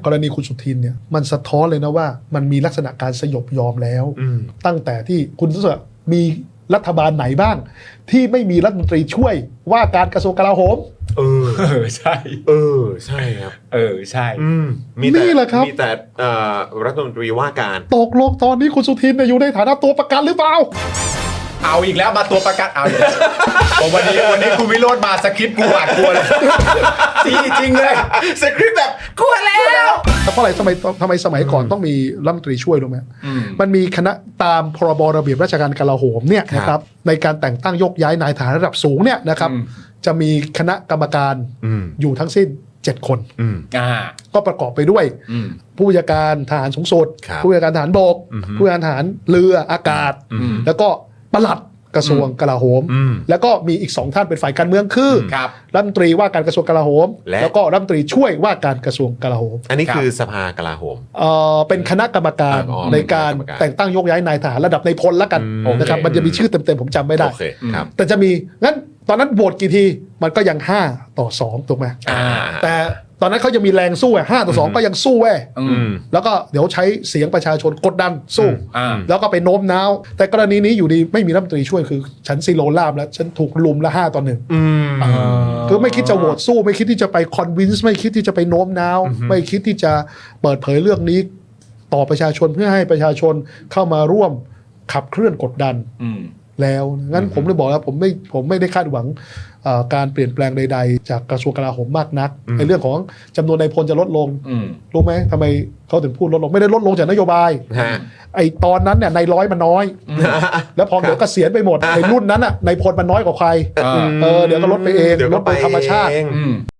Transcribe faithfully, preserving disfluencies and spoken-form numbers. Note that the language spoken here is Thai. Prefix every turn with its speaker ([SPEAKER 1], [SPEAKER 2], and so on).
[SPEAKER 1] กรณีคุณสุทินเนี่ยมันสะท้อนเลยนะว่ามันมีลักษณะการสยบยอมแล้วตั้งแต่ที่คุณสุทินมีรัฐบาลไหนบ้างที่ไม่มีรัฐมนตรีช่วยว่าการกระทรวงกลาโหม
[SPEAKER 2] เออ
[SPEAKER 3] เออใช่
[SPEAKER 2] เออใช่ครับ
[SPEAKER 3] เออใช่
[SPEAKER 2] มีแต่มีแต่รัฐมนตรีว่าการ
[SPEAKER 1] ตกลงตอนนี้คุณสุทินอยู่ในฐานะตัวประกันหรือเปล่า
[SPEAKER 3] เอาอีกแล้วมาตัวประกันเอาอีกแล้วผมวันนี้วันนี้คุณวิโรจน์มาสคริปต์กูหวาดกลัวเลยจริงจริงเลยสคริปต์แบบกลัวแล้ว
[SPEAKER 1] แต่เพราะอะไรทำไมทำไมสมัยก่อนต้องมีรัฐมนตรีช่วยรู้ไหมมันมีคณะตามพรบระเบียบราชการกลาโหมเนี่ยนะครับในการแต่งตั้งยกย้ายนายทหารระดับสูงเนี่ยนะครับจะมีคณะกรรมการอยู่ทั้งสิ้นเจ็ดคนก็ประกอบไปด้วยผู้บัญชาการทหารสูงสุดผู้บัญชาการทหารบกผู้บัญชาการทหารเรืออากาศแล้วก็ปลัดกระทรวงกลาโหมแล้วก็มีอีกสองท่านเป็นฝ่ายการเมืองคือรัฐมนตรีว่าการกระทรวงกลาโหมแล้วก็รัฐมนตรีช่วยว่าการกระทรวงกลาโหม
[SPEAKER 2] อันนี้คือสภากลาโหม
[SPEAKER 1] เอ่อเป็นคณะกรรมการในการแต่งตั้งยกย้ายนายทหารระดับในพลละกันนะครับมันจะมีชื่อเต็มๆผมจำไม่ได้แต่จะมีงั้นตอนนั้นโหวตกี่ทีมันก็ยังห้าต่อสองถูกไหมแต่ตอนนั้นเขายังมีแรงสู้อ่ะห้าต่อสองก็ยังสู้เว้ยแล้วก็เดี๋ยวใช้เสียงประชาชนกดดันสู้แล้วก็ไปโน้มน้าวแต่กรณีนี้อยู่ดีไม่มีรัฐมนตรีช่วยคือฉันซีโรลาบแล้วฉันถูกลุมละห้าต่อหนึ่งคือไม่คิดจะโหวตสู้ไม่คิดที่จะไปคอนวินส์ไม่คิดที่จะไปโน้มน้าวไม่คิดที่จะเปิดเผยเรื่องนี้ต่อประชาชนเพื่อให้ประชาชนเข้ามาร่วมขับเคลื่อนกดดันแล้วงั้นผมเลยบอกแล้วผมไม่ผมไม่ได้คาดหวังการเปลี่ยนแปลงใดๆจากกระทรวงกลาโหมมากนักในเรื่องของจำนวนนายพลจะลดลงรู้ไหมทำไมเขาถึงพูดลดลงไม่ได้ลดลงจากนโยบายไอ้ตอนนั้นเนี่ยนายร้อยมันน้อยแล้วพอเดี๋ยวเกษียณไปหมดในรุ่นนั้นอ่ะนายพลมันน้อยกว่าใครเออเดี๋ยวก็ลดไปเองลดไปธรรมชาติ